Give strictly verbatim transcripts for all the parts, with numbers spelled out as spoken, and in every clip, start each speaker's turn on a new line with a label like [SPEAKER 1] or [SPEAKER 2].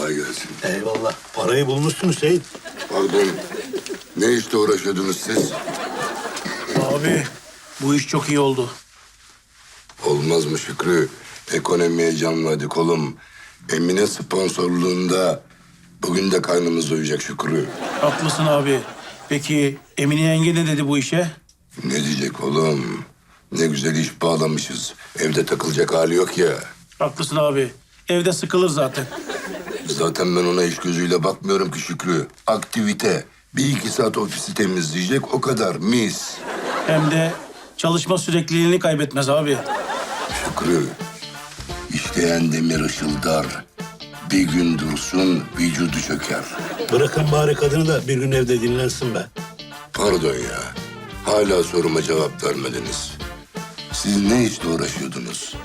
[SPEAKER 1] Kolay gelsin.
[SPEAKER 2] Eyvallah. Parayı bulmuşsun Hüseyin.
[SPEAKER 1] Pardon. Ne işte uğraşıyordunuz siz?
[SPEAKER 3] Abi bu iş çok iyi oldu.
[SPEAKER 1] Olmaz mı Şükrü? Ekonomiye canladık oğlum. Emine sponsorluğunda bugün de karnımız doyacak Şükrü.
[SPEAKER 3] Haklısın abi. Peki Emine yenge ne dedi bu işe?
[SPEAKER 1] Ne diyecek oğlum? Ne güzel iş bağlamışız. Evde takılacak hali yok ya.
[SPEAKER 3] Haklısın abi. Evde sıkılır zaten.
[SPEAKER 1] Zaten ben ona iş gözüyle bakmıyorum ki Şükrü. Aktivite. Bir iki saat ofisi temizleyecek o kadar mis.
[SPEAKER 3] Hem de çalışma sürekliliğini kaybetmez abi.
[SPEAKER 1] Şükrü. İşleyen demir ışıldar. Bir gün dursun vücudu çöker.
[SPEAKER 2] Bırakın bari kadını da bir gün evde dinlensin be.
[SPEAKER 1] Pardon ya. Hala soruma cevap vermediniz. Siz ne işle uğraşıyordunuz?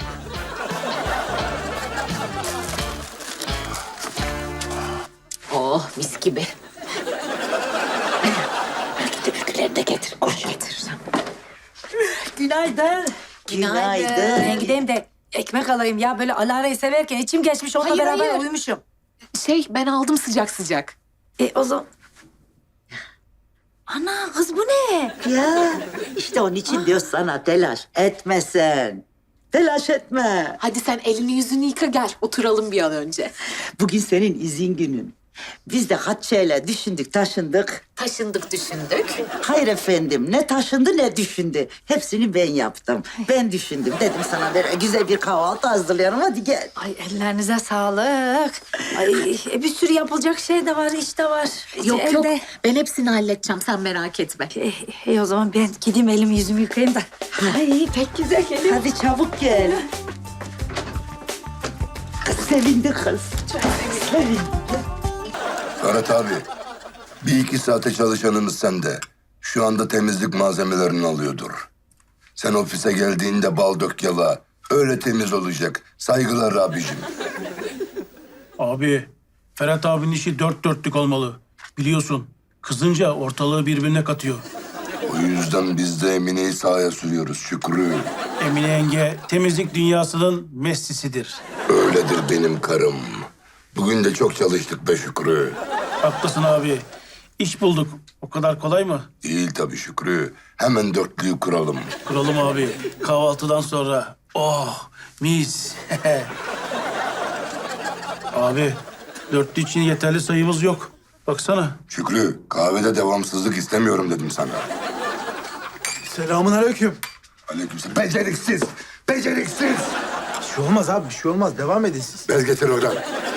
[SPEAKER 4] Oh mis gibi. Belki de ülkülerini de getir. Koş getir.
[SPEAKER 5] Günaydın.
[SPEAKER 4] Günaydın.
[SPEAKER 5] Ben gideyim de ekmek alayım ya. Böyle Alara'yı severken içim geçmiş. Onunla
[SPEAKER 4] Hayır,
[SPEAKER 5] beraber
[SPEAKER 4] hayır.
[SPEAKER 5] uyumuşum.
[SPEAKER 4] Şey ben aldım sıcak sıcak.
[SPEAKER 5] E o zaman... Ana kız bu ne?
[SPEAKER 6] Ya işte onun için diyor sana telaş etmesen. Telaş etme.
[SPEAKER 4] Hadi sen elini yüzünü yıka gel. Oturalım bir an önce.
[SPEAKER 6] Bugün senin izin günün. Biz de kaç şeyler düşündük, taşındık.
[SPEAKER 4] Taşındık düşündük.
[SPEAKER 6] Hayır efendim, ne taşındı ne düşündü. Hepsini ben yaptım. Ben düşündüm. Dedim sana böyle güzel bir kahvaltı hazırlayalım. Hadi gel.
[SPEAKER 5] Ay ellerinize sağlık. Ay e, bir sürü yapılacak şey de var, iş de var.
[SPEAKER 4] Yok
[SPEAKER 5] Evde.
[SPEAKER 4] yok ben hepsini halledeceğim sen merak etme.
[SPEAKER 5] E, e, o zaman ben gideyim elimi yüzümü yıkayayım da. Ay pek güzel geliyor.
[SPEAKER 6] Hadi çabuk gel. Kız sevindi kız. Sevindi.
[SPEAKER 1] Ferhat abi. Bir iki saate çalışanımız sende. Şu anda temizlik malzemelerini alıyordur. Sen ofise geldiğinde bal dök yala. Öyle temiz olacak. Saygılar abicim.
[SPEAKER 3] Abi Ferhat abinin işi dört dörtlük olmalı. Biliyorsun kızınca ortalığı birbirine katıyor.
[SPEAKER 1] O yüzden biz de Emine'yi sahaya sürüyoruz Şükrü.
[SPEAKER 3] Emine yenge temizlik dünyasının Messi'sidir.
[SPEAKER 1] Öyledir benim karım. Bugün de çok çalıştık be Şükrü.
[SPEAKER 3] Haklısın abi. İş bulduk. O kadar kolay mı?
[SPEAKER 1] Değil tabii Şükrü. Hemen dörtlüyü kuralım.
[SPEAKER 3] Kuralım abi. Kahvaltıdan sonra. Oh mis. Abi dörtlü için yeterli sayımız yok. Baksana.
[SPEAKER 1] Şükrü, kahvede devamsızlık istemiyorum dedim sana.
[SPEAKER 7] Selamun aleyküm.
[SPEAKER 1] Aleykümselam. Beceriksiz, beceriksiz.
[SPEAKER 7] Bir şey olmaz abi, bir şey olmaz. Devam edin siz.
[SPEAKER 1] Bez getir oradan.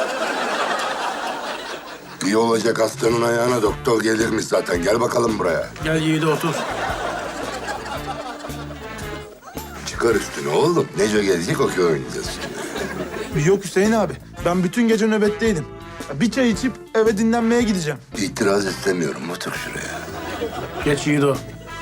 [SPEAKER 1] İyi olacak hastanın ayağına doktor gelirmiş zaten. Gel bakalım buraya.
[SPEAKER 3] Gel Yiğit'e otur.
[SPEAKER 1] Çıkar üstüne oğlum. Neco gelecek okey oynayacağız şimdi.
[SPEAKER 7] Yok Hüseyin abi, ben bütün gece nöbetteydim. Bir çay içip eve dinlenmeye gideceğim.
[SPEAKER 1] İtiraz istemiyorum. Otur şuraya.
[SPEAKER 3] Geç Yiğit'o.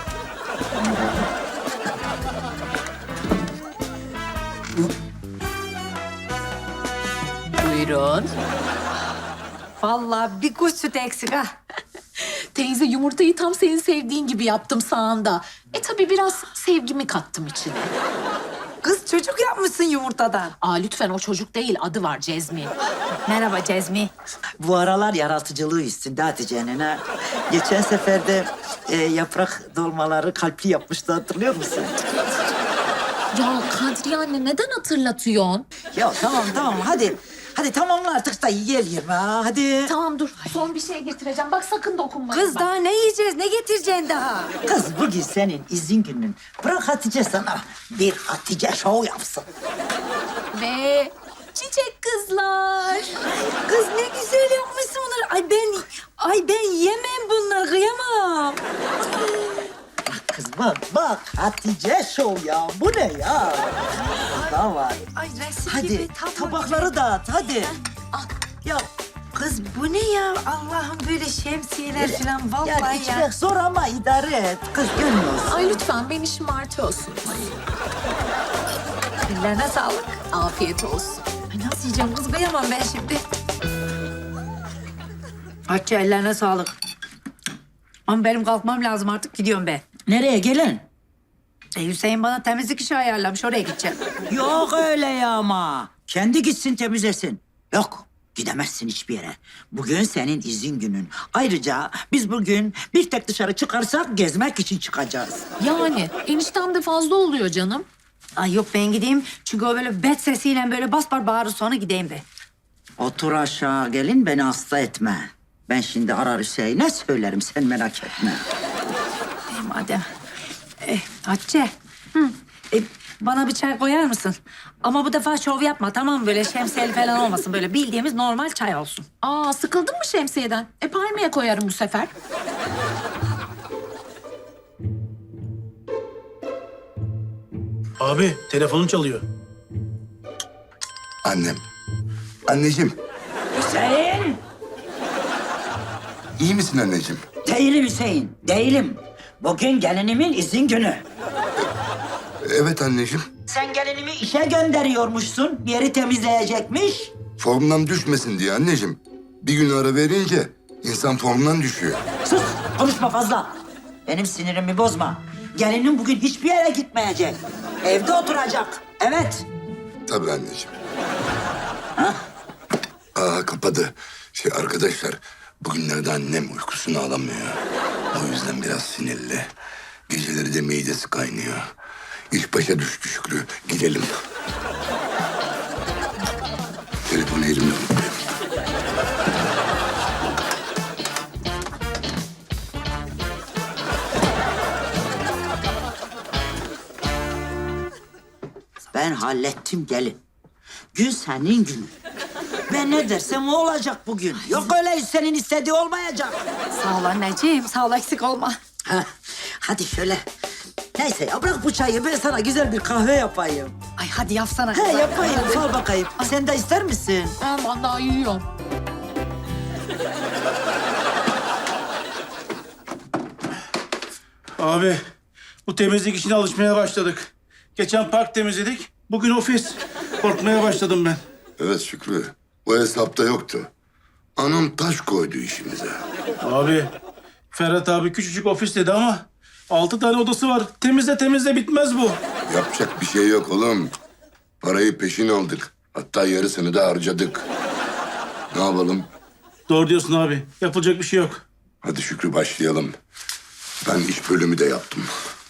[SPEAKER 4] Buyurun.
[SPEAKER 5] Vallahi bir kuş sütü eksik ha.
[SPEAKER 4] Teyze yumurtayı tam senin sevdiğin gibi yaptım sağında. E tabii biraz sevgimi kattım içine.
[SPEAKER 5] Kız çocuk yapmışsın yumurtadan.
[SPEAKER 4] Aa lütfen o çocuk değil adı var Cezmi.
[SPEAKER 5] Merhaba Cezmi.
[SPEAKER 6] Bu aralar yaratıcılığı üstünde Hatice'nin ha. Geçen sefer de e, yaprak dolmaları kalpli yapmıştı, hatırlıyor musun?
[SPEAKER 4] Ya Kadriye anne neden hatırlatıyorsun?
[SPEAKER 6] Ya tamam tamam hadi. Hadi tamamla artık da yiyelim ha hadi.
[SPEAKER 4] Tamam dur son bir şey getireceğim. Bak sakın dokunma.
[SPEAKER 5] Kız daha ne yiyeceğiz, ne getireceksin daha?
[SPEAKER 6] Kız bugün senin izin günün. Bırak Hatice sana bir Hatice show yapsın.
[SPEAKER 4] Ve çiçek kızlar.
[SPEAKER 5] Kız ne güzel yapmışsın bunları. Ay ben, ay ben yemem bunları, kıyamam.
[SPEAKER 6] Bak kız bak bak Hatice show ya. Bu ne ya? Daha var.
[SPEAKER 5] Ay resim
[SPEAKER 6] Hadi
[SPEAKER 5] gibi tabak.
[SPEAKER 6] tabakları dağıt hadi. Ya
[SPEAKER 5] Kız bu ne ya? Allah'ım böyle şemsiyeler falan vallahi
[SPEAKER 6] yani
[SPEAKER 5] ya.
[SPEAKER 6] içmek zor ama idare et. Kız görmüyorsun.
[SPEAKER 4] Ay lütfen beni şımartıyorsun.
[SPEAKER 5] Ellerine sağlık.
[SPEAKER 4] Afiyet olsun.
[SPEAKER 5] Ay nasıl yiyeceğim kız, kıyamam ben şimdi. Hatice ellerine sağlık. Ama benim kalkmam lazım artık, gidiyorum ben.
[SPEAKER 6] Nereye gelin?
[SPEAKER 5] E, Hüseyin bana temizlik işi ayarlamış, oraya gideceğim.
[SPEAKER 6] Yok öyle ya ama. Kendi gitsin temizlesin. Yok. Gidemezsin hiçbir yere. Bugün senin izin günün. Ayrıca biz bugün bir tek dışarı çıkarsak gezmek için çıkacağız.
[SPEAKER 4] Yani eniştem de fazla oluyor canım.
[SPEAKER 5] Ay yok ben gideyim. Çünkü o böyle bet sesiyle böyle bas bar bağırır sonra gideyim be.
[SPEAKER 6] Otur aşağı gelin beni hasta etme. Ben şimdi arar Hüseyin'e söylerim sen merak etme.
[SPEAKER 5] E, madem. E, Hatice. Hı. E, bana bir çay koyar mısın? Ama bu defa şov yapma tamam mı? Böyle şemsiyeli falan olmasın. Böyle bildiğimiz normal çay olsun.
[SPEAKER 4] Aa sıkıldın mı şemsiyeden? E palmiye koyarım bu sefer.
[SPEAKER 3] Abi telefonun çalıyor.
[SPEAKER 1] Annem. Anneciğim,
[SPEAKER 6] Hüseyin!
[SPEAKER 1] iyi misin anneciğim?
[SPEAKER 6] Değilim Hüseyin, değilim. Bugün gelinimin izin günü.
[SPEAKER 1] Evet anneciğim.
[SPEAKER 6] Sen gelinimi işe gönderiyormuşsun. Bir yeri temizleyecekmiş.
[SPEAKER 1] Formdan düşmesin diye anneciğim. Bir gün ara verince insan formdan düşüyor.
[SPEAKER 6] Sus, konuşma fazla. Benim sinirimi bozma. Gelinim bugün hiçbir yere gitmeyecek. Evde oturacak. Evet.
[SPEAKER 1] Tabii anneciğim. Aa kapadı. Şey arkadaşlar, bugünlerde annem uykusunu alamıyor. O yüzden biraz sinirli. Geceleri de midesi kaynıyor. İş başa düştü Şükrü. Gidelim. Telefonu elimde unutmayayım.
[SPEAKER 6] Ben hallettim gelin. Gün senin günün. Ben ne dersem o olacak bugün. Yok öyle senin istediği olmayacak.
[SPEAKER 5] Sağ ol anneciğim. Sağ ol eksik olma.
[SPEAKER 6] Heh, hadi şöyle. Neyse ya bırak bu çayı ben sana güzel bir kahve yapayım.
[SPEAKER 5] Ay hadi yapsana.
[SPEAKER 6] He
[SPEAKER 5] kızım.
[SPEAKER 6] yapayım sor bakayım. Sen de ister misin?
[SPEAKER 4] Ben vallahi yiyorum.
[SPEAKER 3] Abi bu temizlik işine alışmaya başladık. Geçen park temizledik. Bugün ofis. Korkmaya başladım ben.
[SPEAKER 1] Evet Şükrü. Bu hesapta yoktu. Anam taş koydu işimize.
[SPEAKER 3] Abi Ferhat abi küçücük ofis dedi ama altı tane odası var. Temizle temizle bitmez bu.
[SPEAKER 1] Yapacak bir şey yok oğlum. Parayı peşin aldık. Hatta yarısını da harcadık. Ne yapalım?
[SPEAKER 3] Doğru diyorsun abi. Yapılacak bir şey yok.
[SPEAKER 1] Hadi Şükrü başlayalım. Ben iş bölümü de yaptım.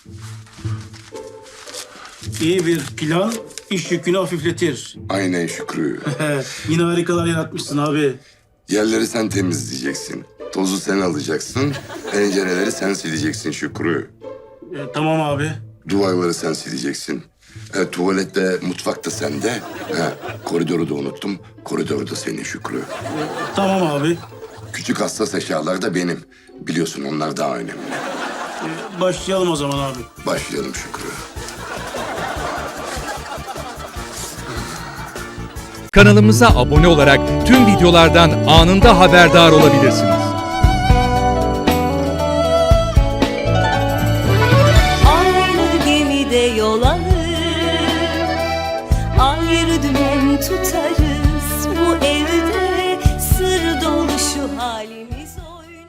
[SPEAKER 3] İyi bir plan iş yükünü hafifletir.
[SPEAKER 1] Aynen Şükrü.
[SPEAKER 3] Yine harikalar yaratmışsın abi.
[SPEAKER 1] Yerleri sen temizleyeceksin. Tozu sen alacaksın. Pencereleri sen sileceksin Şükrü.
[SPEAKER 3] E, tamam abi.
[SPEAKER 1] Duvarları sen sileceksin. E, tuvalette, mutfakta sende. Ha, koridoru da unuttum. Koridor da senin Şükrü.
[SPEAKER 3] Tamam abi.
[SPEAKER 1] Küçük hassas eşyalar da benim. Biliyorsun onlar daha önemli.
[SPEAKER 3] E, başlayalım o zaman abi.
[SPEAKER 1] Başlayalım Şükrü.
[SPEAKER 8] Kanalımıza abone olarak tüm videolardan anında haberdar olabilirsiniz.
[SPEAKER 9] Aynı gemide yol alır, ayrı dümen tutarız. Bu evde sır dolu şu halimiz.